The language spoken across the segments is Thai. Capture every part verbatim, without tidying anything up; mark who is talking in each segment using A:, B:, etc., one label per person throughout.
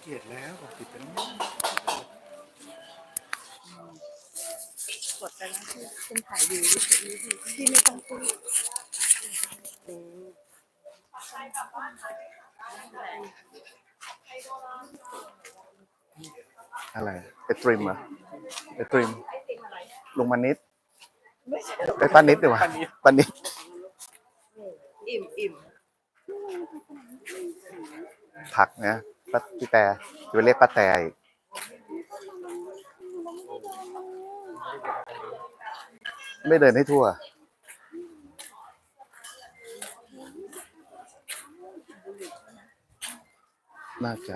A: จ็ดแล้วหกสิบแล้ว
B: กดไปแล้วที่เป็นถ่ายวิวที่ไม่ต้องพูด
A: อะไรไอตริมอ่ะไอตริมลงมานิดไอป้านิดดีกว่าป้านิด
B: อิ่มอิ่ม
A: ผักนะป้าพี่แต่จะไปเรียกป้าแต่อีกไม่เดินให้ทั่วน่าจะ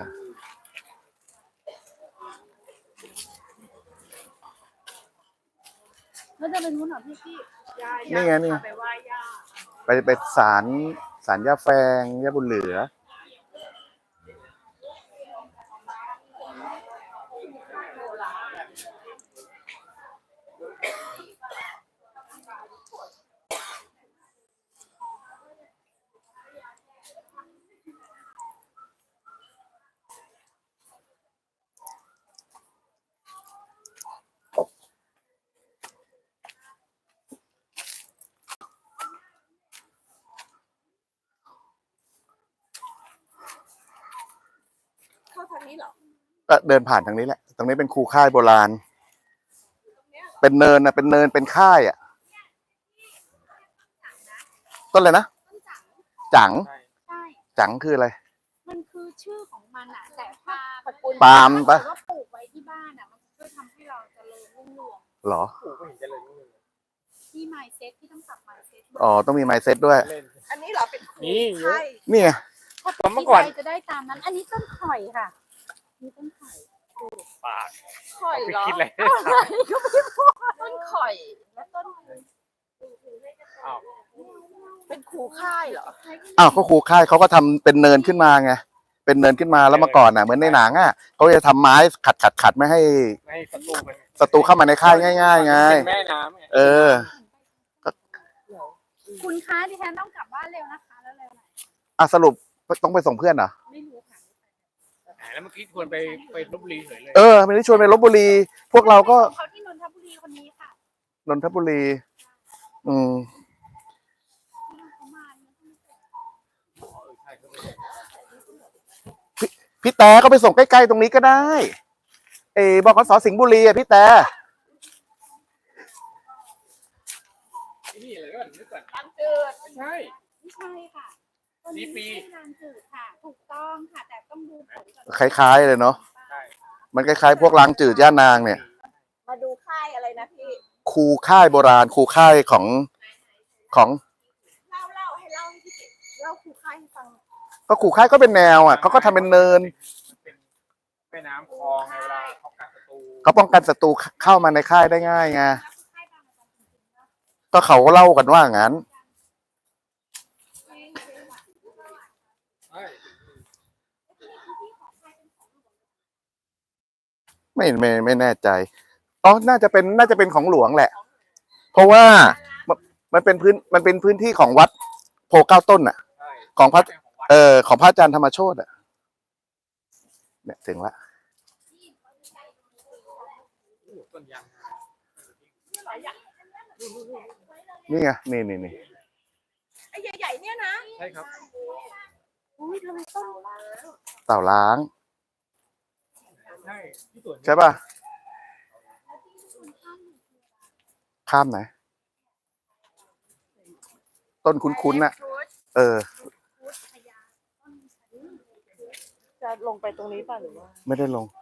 B: แล้วจะเป็นนู้นเหรอพี่พี่
A: นี่ไงนี่
B: ไปไหว้ย่า
A: ไปไปศาลศาลย่าแฟงย่าบุญเหลือ
B: เข้าทางนี้เหรอ
A: ก็เดินผ่านทางนี้แหละตรงนี้เป็นคูค่ายโบราณเป็นเนินนะเป็นเนินเป็นค่ายอ่ะต้นอะไรนะจังจังคืออะไร
B: มันคือชื่อของมันอ่ะแต่ถ้าตระกูล
A: ปาล์มปะ
B: ว่าปลูกไว้ที่บ้านอ่ะมันช่วยทำให้เราเจริญรุ่งเรือง
A: หรอ
C: ปลูกก็เห็นเจริญรุ่งเรือง
B: ที่ไมซ์เซ็ตที่ต้องปรับไมซ์เซ็ต
A: อ๋อต้องมีไมซ์เซ็ตด้วย
B: อันนี้เหรอเป็น
C: นี่เยอะ
A: นี่ไง
B: ถ้าเมื่อก่อนจะได้ตามนั้นอันนี้ต้นข่อยค่ะนี่ต้นข่อย
C: ปาก
B: ข่อยเหรอ
C: คิดเลย
B: ก็ไม่พูดต้นข่อยแล้วต้นเป็นคูค่ายเหรอ
A: อ้าวก็ครูค่ายเขาก็ทำเป็นเนินขึ้นมาไงเป็นเนินขึ้นมาแล้วเมื่อก่อนอ่ะเหมือนในหนังอ่ะเขาจะทำไม้ขัดขัดขัดไม่ให้
C: ไม่ศัตรูมัน
A: ศัตรูเข้ามาในค่ายง่ายๆไง
C: แม่น้ำ
A: เออ
B: คุณคะดิฉันต้องกลับบ้านเร็วนะคะแล้วเร็วหน่อย
A: อ่ะสรุปต้องไปส่งเพื่อนเหรอ
B: ไม่รู้ค่ะ
C: แล้วเมื่อกี้ชวนไปไปลพบุรีเฉยเลย
A: เออไม่ได้ชวนไปลพบุรีพวกเราก็
B: เขาที่นนทบุรีคนนี้ค่ะ
A: นนทบุรีอืมพี่พี่แต่ก็ไปส่งใกล้ๆตรงนี้ก็ได้เออบกสสิงห์บุรีอ่ะพี่แต่
C: นี่อะไรก็นึกก่อน
B: ลำจืด
C: ใช่
B: ไม่ใช่ค่ะ
C: สีปี
B: ลำจืดค่ะถูกต้องค่ะแต่ต้องดูผลก่อน
A: คล้ายๆเลยเนาะมันคล้ายๆพวกล้างจืดย่านางเนี่ย
B: มาดูค่ายอะไรนะพี่
A: คูค่ายโบราณคูค่ายของของ
B: เล่าเล่าให้เล่าให้พี่เล่าคูค่ายให้ฟัง
A: ก็คูค่ายก็เป็นแนวอ่ะเขาก็ทำเป็นเนิน
C: เป็นแม่น้ำคลองในเวลาเขากันศัตรู
A: เขาป้องกันศัตรูเข้ามาในค่ายได้ง่ายไงก็เขาเล่ากันว่างั้นไม่ไม่ไม่แน่ใจอ๋อน่าจะเป็นน่าจะเป็นของหลวงแหละเพราะว่ามันเป็นพื้นมันเป็นพื้นที่ของวัดโพเก้าต้นอ่ะของพระเอ่อของพระอาจารย์ธรรมโชติอ่ะเนี่ยถึงละนี่ไงนี่นี่นี่
B: ไอ้ใหญ่ๆเนี่ยนะ
C: ใช่ครับ
B: อุ้ยทำไมต้น
A: เต่าล้าง
C: ใช่
A: ใช่ป่ะข้ามไหนต้นคุ้นๆน่ะเออ
B: จะลงไปตรงนี้ป่ะหรือว่า
A: ไม่ได้ลง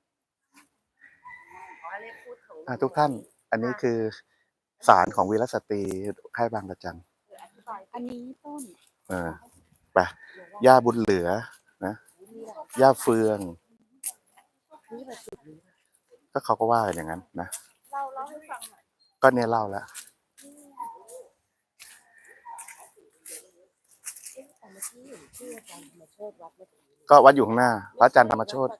A: อ่ะทุกท่านอันนี้คือศาลของวีรสตรีค่ายบางระจัน
B: อันนี้ต้น
A: เออไปย่าบุญเหลือนะย่าเฟืองก็เขาก็ว่าอย่างนั้นนะ
B: เล่าเล่าให้ฟังหน่อย
A: ก็เนี่ยเล่าแล้วก็วัดอยู่ข้างหน้าพระอาจารย์ธรรมโชติ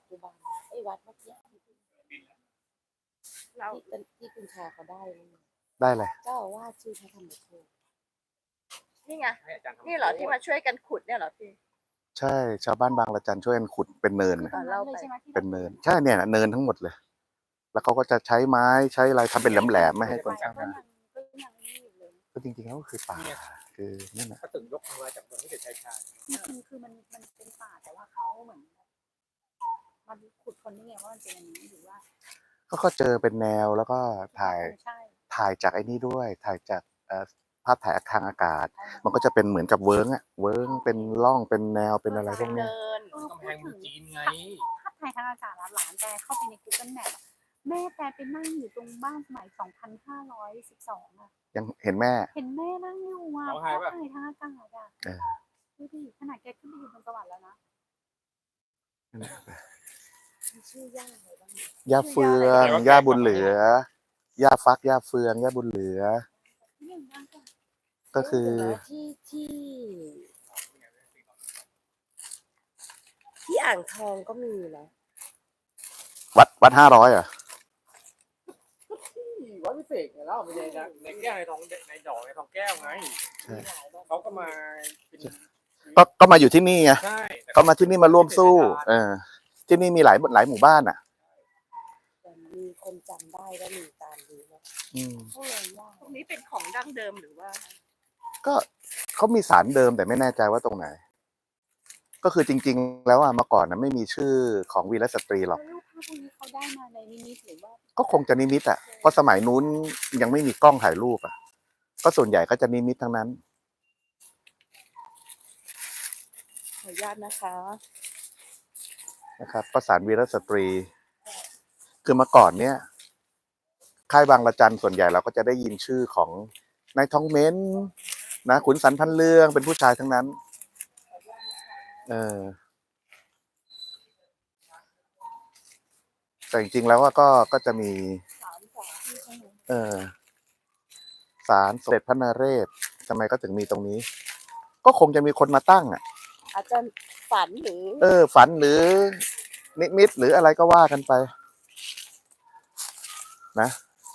B: เราที่คุณชาเขาได้
A: ได้เลย
B: เจ้าว่าชื่อพระธรรมโชตินี่ไงนี่เหรอที่มาช่วยกันขุดเนี่ยเหรอพี่
A: ใช่ชาวบ้านบางระจันช่วยกันขุดเป็นเนิน
B: คือ
A: น่ะ
B: ตรงนั้นเลยใช่ไหมที่
A: เป็นเนินใช่เนี่ยนะเนินทั้งหมดเลย แล้วเขาก็จะใช้ไม้ใช้อะไรทำเป็นแหลมๆไม่ให้คนข้าม
B: ก็
A: มา
B: ยังก็ยังนี่อยู่เลย
A: ก็จริงๆแล้วก็คือป่าคือนั่นน่ะ
C: ก็ถึงยกมือจากเมืองที่เกิดชายชาญ
B: คือคือมันมันเป็นป่าแต่ว่าเขาเหมือนมันขุดคนนี่ไงว่ามันเป็นอันนี้หรือว่า
A: ก็ก็เจอเป็นแนวแล้วก็ถ่าย
B: ใช่
A: ถ่ายจากไอ้นี่ด้วย ถ่ายจากเอ่อภาพถ่ายทางอากาศ มันก็จะเป็นเหมือนกับเวิร์กอะเวิร์กเป็นร่องเป็นแนวเป็นอะไรพวกเนี้ย
C: กำแพงเมืองจีนไง
B: ภาพถ่ายทางอากาศหลานแกเข้าไปใน Google Map แม่แกไปนั่งอยู่ตรงบ้านสมัยสองพันห้าร้อยสิบสองอ่ะ
A: ยังเห็นแม่
B: เห็นแม่นั่งอยู่อ่ะภาพถ่ายทางอากาศอ่ะ
A: เออ
B: ดูดิขนาดแกขึ้นไปอยู่บนสวรรค์แล้วนะชื่อย่าอะไรบ้าง
A: ย่าเฟืองย่าบุญเหลือย่าฟักย่าเฟืองย่าบุญเหลือ
B: ที่หนึ่งบ้างจ้ะ
A: ก็คือ
D: ที่ที่ที่อ่างทองก็มีนะ
A: วัดวัดห้าร้อยอ่ะ
C: ที่วัดพิเศษไงแล้วในในแก้วในทองในดอกในทองแก้วไง
A: ใช่
C: เขาก็มาเป็น
A: ก็ก็มาอยู่ที่นี่ไง
C: ใช่
A: ก็มาที่นี่มาร่วมสู้ เออ ที่นี่มีหลายหลายหมู่บ้านอ่ะ
D: แต่มีคนจำได้ว่ามีการดูนะ
A: อืม
D: ก็เลยว่าตรงนี้เป็นของดั้งเดิมหรือว่า
A: ก็เขามีสารเดิมแต่ไม่แน่ใจว่าตรงไหน ก็คือจริง ๆ แล้วอ่ะเมื่อก่อนนะไม่มีชื่อของวีรสตรีหรอก
B: แล้วรูปภาพพวกนี้เขาได้มาในนิมิตหรือว่า
A: ก็คงจะนิมิตอ่ะ เพราะสมัยนู้นยังไม่มีกล้องถ่ายรูปอ่ะ ก็ส่วนใหญ่ก็จะนิมิตทั้งนั้น
D: ขออนุญาตนะคะ
A: นะครับก็สารวีรสตรี คือเมื่อก่อนเนี่ยค่ายบางระจันส่วนใหญ่เราก็จะได้ยินชื่อของนายทองเม้นนะขุนสันพันเรืองเป็นผู้ชายทั้งนั้น เออแต่จริงๆแล้วว่าก็ก็จะมี เออศาลสมเด็จพระนเรศทำไมก็ถึงมีตรงนี้ ก็คงจะมีคนมาตั้งอ่ะ
D: อาจจะฝันหรือ
A: เออ ฝันหรือนิมิตหรืออะไรก็ว่ากันไป นะ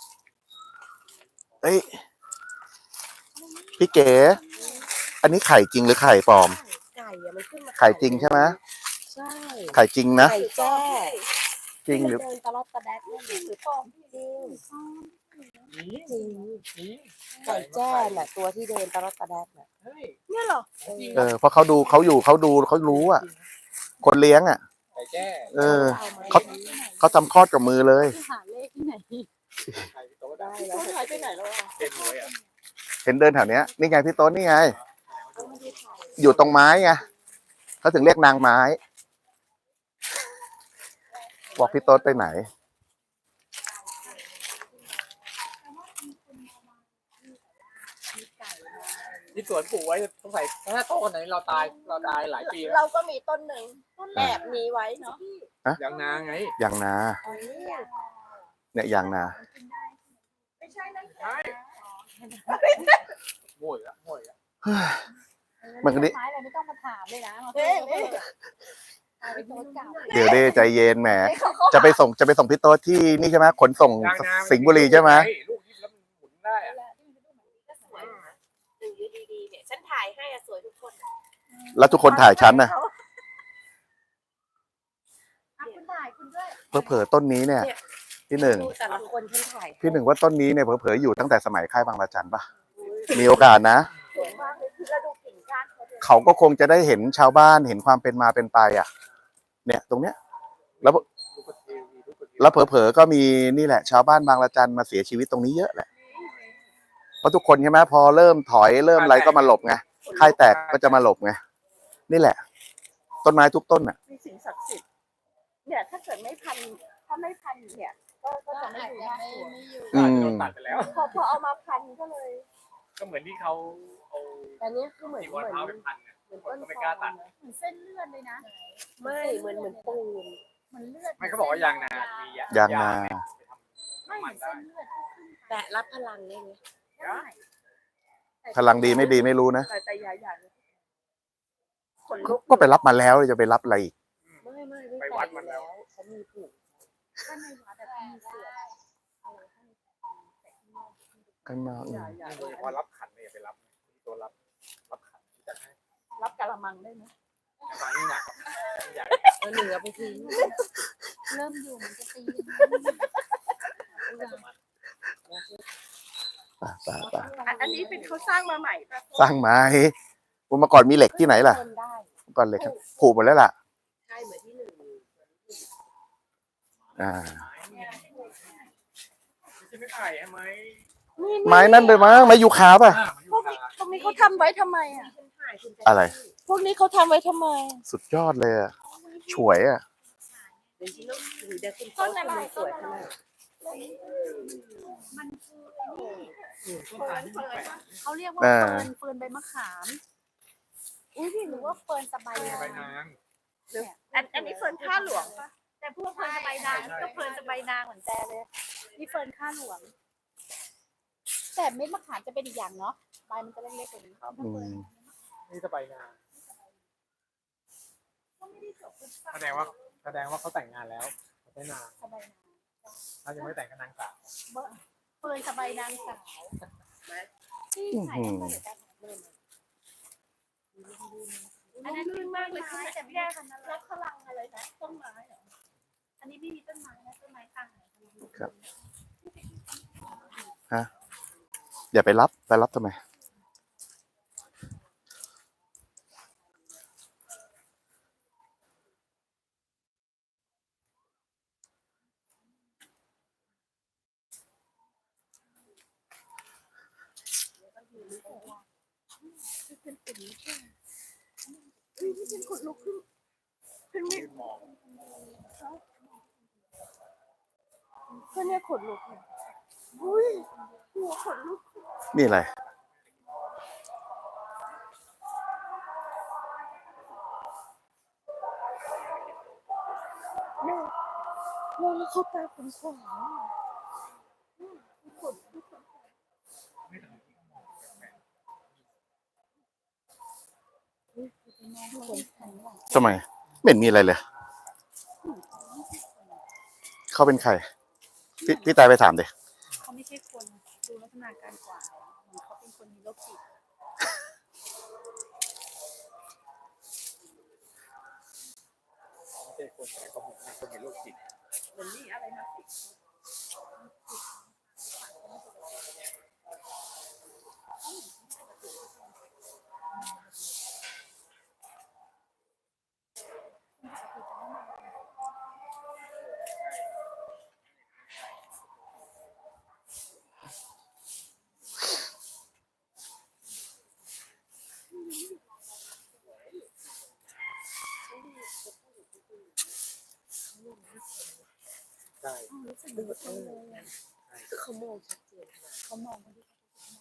A: เอ้ยพี่เก๋ อันนี้ไข่จริงหรือไข่ปลอม
D: ไก่อะมันขึ้นมา
A: ไข่จริงใช่ไหม
D: ใช่
A: ไข่จริงนะ
D: ไก่แจ้
A: จริงหรือ
D: เดินตลอดตะแดดนี่หรือปลอมจริง
C: นี่
D: จริง
C: นี่
D: ไก่แจ้น่ะตัวที่เดินตลอดตะแดดน่ะ
C: เฮ้ย
D: เนี่ยเหรอ
A: เออเพราะเขาดูเขาอยู่เขาดูเขารู้อ่ะ คนเลี้ยงอ่ะ
C: ไก่แจ้
A: เออ เขาเขาทำคลอดกับมือเลย
B: หาเลขที่ไหน
C: ไก่โต๊ะได้
D: ได้แล้วหายไปไหนแล้วอ่ะ
C: เป็นเลยอ่ะ
A: เห็นเดินแถวเนี้ยนี่ไงพี่โต๊นนี่ไง อยู่ตรงไม้ไงเขาถึงเรียกนางไม้ บอกพี่โต๊ดไปไหน
C: ที่สวนปลูกไว้สงสัยถ้าโตขนาดนี้เราตายเราตายหลายปีแล้ว
D: เราก็มีต้นหนึ่งแอบมีไว้เนาะ
C: ยังนาไง
A: อย่างนา
D: อันนี้
A: เนี่ยอย่างนา
D: ไม่ใช่นั่น
C: ใช่โง่ยละโง่ยละ
A: มันก็นี่
B: ไม้อะไรไม่ต้องมาถามเลยนะมา
D: เอ๊ะเอ๊ะ
B: เอาไปโพสต์เก่า
A: เดี๋ยวเด้ใจเย็นแหม จะไปส่งจะไปส่งพี่โต๊ดที่นี่ใช่ไหมขนส่ง
C: ยางนา
A: สิงห์บุรีใช่ไหม
C: ลูกยิบแล้วมันหมุนได้อะ
D: หนึ่งอยู่ดีๆเนี่ยฉันถ่ายให้อะสวยทุกคน
A: แล้วทุกคนถ่ายฉันน่ะ
B: อ่ะคุณถ่ายคุณด้วย
A: เผลอๆต้นนี้เนี่ย พี่หนึ่ง
D: ดูแต่ละคนฉันถ่าย
A: พี่หนึ่งว่าต้นนี้เนี่ยเผลอๆอยู่ตั้งแต่สมัยค่ายบางระจันปะมีโอกาสนะ
D: สวยมากเลยคือเราดูกิ่งก้านเขาเลย
A: เขาก็คงจะได้เห็นชาวบ้านเห็นความเป็นมาเป็นไปอ่ะ เนี่ยตรงเนี้ย แล้ว
C: ลูกกระเทียมมีลูกกระเทียม
A: แล้วเผลอๆก็มีนี่แหละ ชาวบ้านบางระจันมาเสียชีวิตตรงนี้เยอะแหละ เพราะทุกคนใช่ไหมพอเริ่มถอยเริ่มอะไรก็มาหลบไงค่ายแตกก็จะมาหลบไงนี่แหละ ต้นไม้ทุกต้นอ่ะ
D: มีสิ่งศักดิ์สิทธิ์เนี่ยถ้าเกิดไม่พันถ้าไม่พันเนี่ยก็ก็
B: ก็
D: จะไม่
B: อาจ
D: ดู
B: จะ
D: น่าก
B: ไม่
D: ลัว
B: ไม่อยู่
A: อืม
C: โดนตัดไปแล้ว
D: พอพอเอามาพันก็เลย
C: ก็เหมือนที่เขาเอา
D: แต่เนี้ยคือเหมือน
C: ที่
D: เห
C: วั
D: มื
C: น
D: อน
C: เท้าไปพันเนี่ย
D: เหมือน
C: คน
D: ต้น
C: ก็ไม่กล้าตัด
D: นะ
B: เหมือนเส้นเลือดเลยนะ
D: ไม่เหมือนเหมือนปูน
B: เหมือนเลือด
C: ไม่เขาบอกว่ายางนามี
A: ยางนา
B: ไม่เหมือนเส้นเลือดที่ขึ้น
D: แต่รับพลังได้ไหม
B: ได้
A: พลังดีไม่ดีไม่รู้นะ
D: แต่แต่ยาอย่างขน
A: ก็
D: ลุก
A: ก็ไปรับมาแล้วจะไปรับอะไรอีก
D: ไม่ไม่ไม่ไปวัดมันแล้วเขามีผูก
B: ถ้าในวัดอะมีเสืออะไรข้างในแต่ข้างนอก
A: ข้างนอกอื
D: ยาม ยา
C: โดยเฉพาะรับขันเนี่ยอย่าไปรับตัวรับรับขันที่จะให้
D: รับกะละมังได้ไหม
C: บางใหญ่
D: เออหนึ่งเอาไปทิ้ง
B: เริ่มอยู่มันจะตี
A: ป่ะป่ะป่ะ
D: อันอันนี้เป็นเขาสร้างมาใหม่ปะ
A: สร้างไม้เมื่อก่อนมีเหล็กที่ไหนล่ะ
B: เดินได้
A: เมื่อก่อนเหล็กผุหมดแล้วล่ะ
D: ใช่เหมือนที่หนึ่ง
A: อ่า
C: ไม่ใช่ไม่ถ่ายใช่ไหม
A: ไม้นั่นเลยมั้งไม้ยูคาป่ะ
C: อ่ามันอยู่
D: พวก
C: คา
D: นี้พวกนี้เขาทำไว้ทำไมอ่ะ
A: อะไร
D: พวกนี้เขาทำไว้ทำไม
A: สุดยอดเลยอะฉวยอ่ะ
D: ต้นอะไรสวยขนาด
B: มันคือ
C: อืมต้นตาลที่มันแปลก
B: เขาเรียกว่า
A: เอ
B: เฟิ
A: อ
B: ร์นเฟิร์นใบมะขามอุ้ยพี่หรือว่าเฟิร์นสบาย
C: ใบ
B: นาง
C: นาง
D: อันอันนี้เฟิร์นข้าหลวงปะ
B: แต่พวกเฟิร์นสบายนางนี่ก็เฟิร์นสบายนางเหมือนแต่เลยนี่เฟิร์นข้าหลวง แต่เม็ดมะขามจะเป็นอีกอย่างเนาะใบมันจะเล็กๆกว่านี้
A: อืม
C: นี่จะใบนางแสดงว่าแสดงว่าเขาแต่งงานแล้วเขาไม่นาง
B: สบายนาง
C: ถ้ายังไม่แต่งก็นางสาว
B: เฟิร์นสบายนางสาวที่ขายตั้งแต่การเริ่มอันนั้นลื่นมากเลยค่ะแต่ไม่ได้ขนาดนั้น
D: แล้วพลังอะไรนะต้นไม้เหรอ
B: อันนี้ไม่มีต้นไม้นะต้นไม้ต่างไหน
A: ครับฮะอย่าไปรับไปรับทำไม
D: อุ้ยนี่เป็นขนลุกขึ้นเป็นมี
C: หมอก
D: ก็เนี่ยขนลุกเนี่ยอุ้ยหัวขนลุก
A: นี่อะไร
D: แม่มองแล้วเขาตาขนขวางขนลุก
A: ทำไมไม่เห็นมีอะไรเลย เขาเป็นใคร พี่พี่ตายไปถามดิ
B: เขาไม่ใช่คนดูลักษณะการกวาดเหมือนเขาเป็นคนมีโรคจิต
C: ไม่ใช่คนแต่เขาเหมือนคนมีโรคจิต
D: เหมือนนี่อะไรนะสิ
C: ใช่
D: รู้สึกดูเออเขามองชัดเจน
B: เขามองคนที่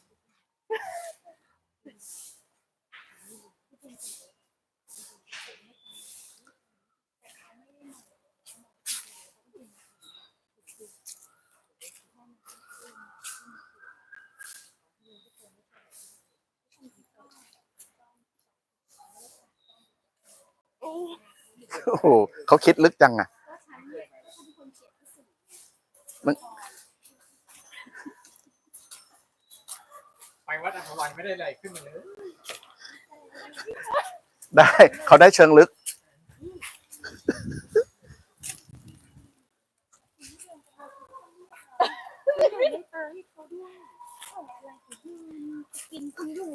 A: โอ้โหเขาคิดลึกจังอ่ะ
C: ไปวัดอัมพวันไม่ได้อะไรขึ้นมาเลย
A: ได้ เขาได้เชิงลึก
B: กินคุณอยู่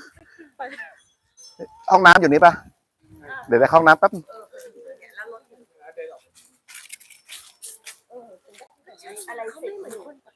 A: ห้องน้ำอยู่นี่ปะเดี๋ยวได้เข้าห้องน้ำแป๊บ
D: อะไรเขาไม่เหมือนคน